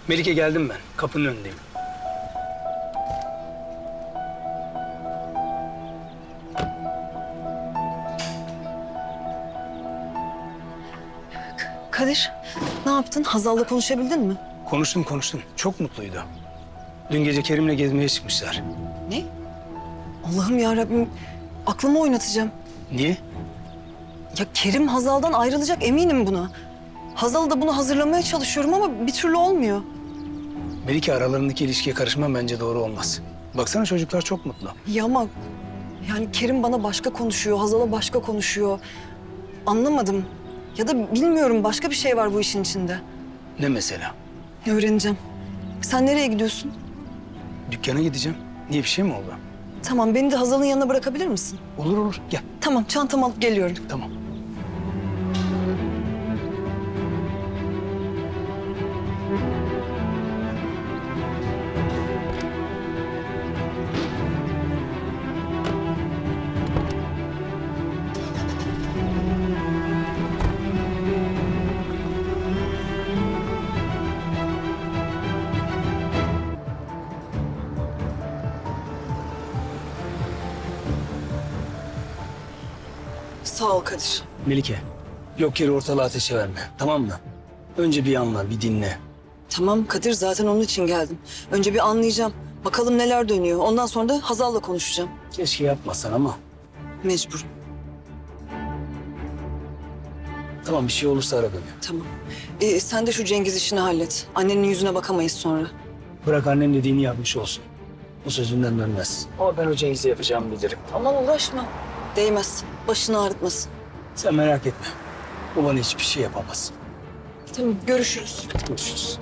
Melike geldim ben. Kapının önündeyim. Kadir, ne yaptın? Hazal'la konuşabildin mi? Konuştum. Çok mutluydu. Dün gece Kerim'le gezmeye çıkmışlar. Ne? Allah'ım ya Rabbim, aklımı oynatacağım. Niye? Ya Kerim Hazal'dan ayrılacak, eminim buna. Hazal'ı da bunu hazırlamaya çalışıyorum ama bir türlü olmuyor. Melike, aralarındaki ilişkiye karışman bence doğru olmaz. Baksana, çocuklar çok mutlu. Ya ama yani Kerim bana başka konuşuyor, Hazal'a başka konuşuyor. Anlamadım. Ya da bilmiyorum, başka bir şey var bu işin içinde. Ne mesela? Öğreneceğim. Sen nereye gidiyorsun? Dükkana gideceğim. Niye, bir şey mi oldu? Tamam, beni de Hazal'ın yanına bırakabilir misin? Olur. Gel. Tamam, çantamı alıp geliyorum. Tamam. Sağ ol Kadir. Melike, yok yere ortalığı ateşe verme. Tamam mı? Önce bir anla, bir dinle. Tamam Kadir, zaten onun için geldim. Önce bir anlayacağım. Bakalım neler dönüyor. Ondan sonra da Hazal'la konuşacağım. Keşke yapmasan ama. Mecburum. Tamam, bir şey olursa ara beni. Tamam. Sen de şu Cengiz işini hallet. Annenin yüzüne bakamayız sonra. Bırak annem dediğini yapmış olsun. Bu sözünden dönmez. Ama ben o Cengiz'e yapacağımı bilirim. Aman uğraşma. Değmez. Başını ağrıtmasın. Sen merak etme. O bana hiçbir şey yapamaz. Tamam, görüşürüz. Görüşürüz.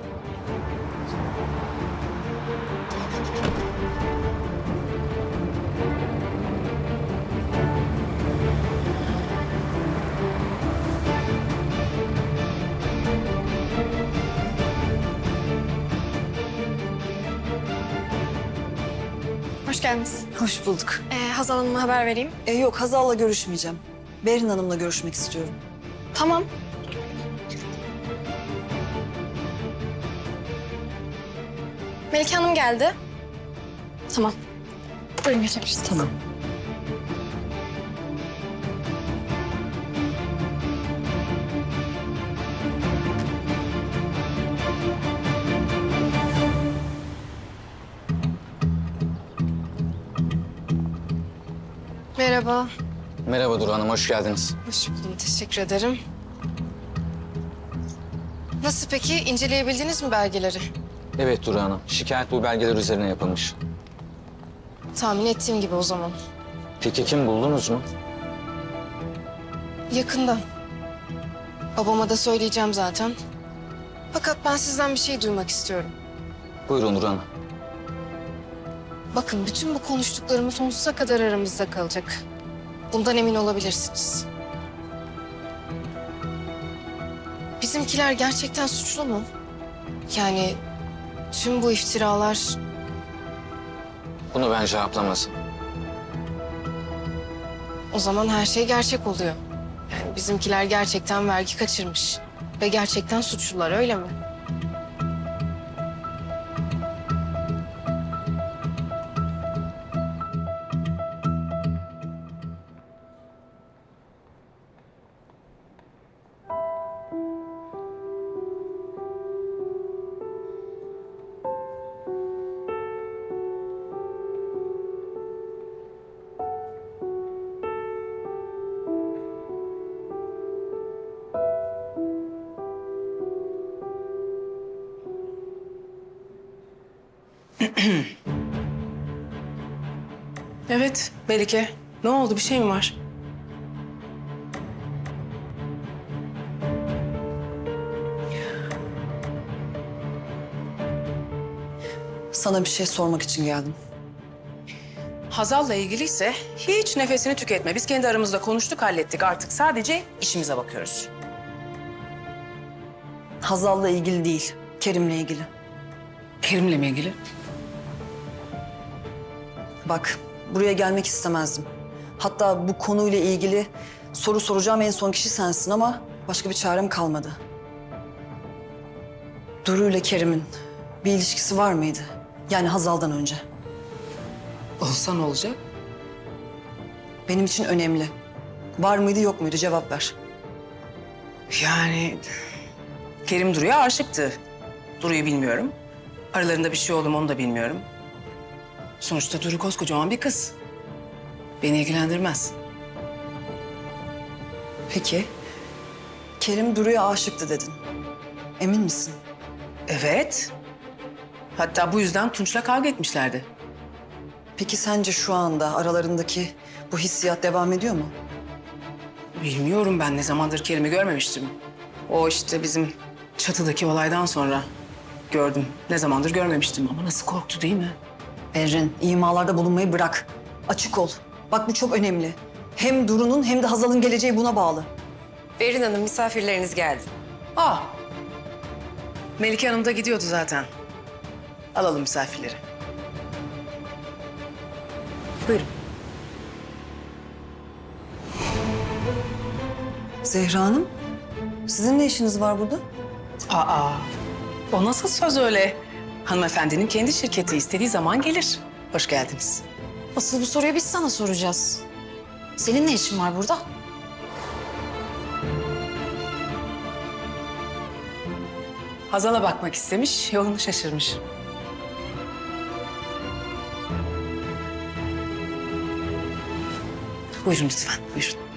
Hoş geldiniz. Hoş bulduk. Hazal Hanım'a haber vereyim. Yok, Hazal'la görüşmeyeceğim. Berin Hanım'la görüşmek istiyorum. Tamam. Melike Hanım geldi. Tamam. Buyurun geçebiliriz. Tamam. Merhaba. Merhaba Duru Hanım, hoş geldiniz. Hoş buldum. Teşekkür ederim. Nasıl peki? İnceleyebildiniz mi belgeleri? Evet Duru Hanım, şikayet bu belgeler üzerine yapılmış. Tahmin ettiğim gibi o zaman. Peki kim buldunuz mu? Yakında. Babama da söyleyeceğim zaten. Fakat ben sizden bir şey duymak istiyorum. Buyurun Duru Hanım. Bakın, bütün bu konuştuklarımız sonsuza kadar aramızda kalacak. Bundan emin olabilirsiniz. Bizimkiler gerçekten suçlu mu? Yani tüm bu iftiralar... Bunu ben cevaplamazım. O zaman her şey gerçek oluyor. Yani bizimkiler gerçekten vergi kaçırmış. Ve gerçekten suçlular, öyle mi? Evet, Melike. Ne oldu? Bir şey mi var? Sana bir şey sormak için geldim. Hazal'la ilgiliyse hiç nefesini tüketme. Biz kendi aramızda konuştuk, hallettik. Artık sadece işimize bakıyoruz. Hazal'la ilgili değil, Kerim'le ilgili. Kerim'le mi ilgili? Bak, buraya gelmek istemezdim. Hatta bu konuyla ilgili soru soracağım en son kişi sensin ama başka bir çarem kalmadı. Duru ile Kerim'in Bir ilişkisi var mıydı? Yani Hazal'dan önce. Olsa ne olacak? Benim için önemli. Var mıydı yok muydu cevap ver. Yani Kerim Duru'ya aşıktı. Duru'yu bilmiyorum. Aralarında bir şey oldu mu onu da bilmiyorum. Sonuçta Duru koskocaman bir kız. Beni ilgilendirmez. Peki. Kerim Duru'ya aşıktı dedin. Emin misin? Evet. Hatta bu yüzden Tunç'la kavga etmişlerdi. Peki sence şu anda aralarındaki bu hissiyat devam ediyor mu? Bilmiyorum, ben ne zamandır Kerim'i görmemiştim. O işte bizim çatıdaki olaydan sonra gördüm. Ne zamandır görmemiştim ama nasıl korktu değil mi? Berrin, imalarda bulunmayı bırak. Açık ol. Bak bu çok önemli. Hem Duru'nun hem de Hazal'ın geleceği buna bağlı. Berin Hanım, misafirleriniz geldi. Melike Hanım da gidiyordu zaten. Alalım misafirleri. Buyurun. Zehra Hanım, sizin ne işiniz var burada? Aa, o nasıl söz öyle? Hanımefendinin kendi şirketi, istediği zaman gelir. Hoş geldiniz. Asıl bu soruyu biz sana soracağız. Senin ne işin var burada? Hazal'a bakmak istemiş, yolunu şaşırmış. Buyurun lütfen, buyurun.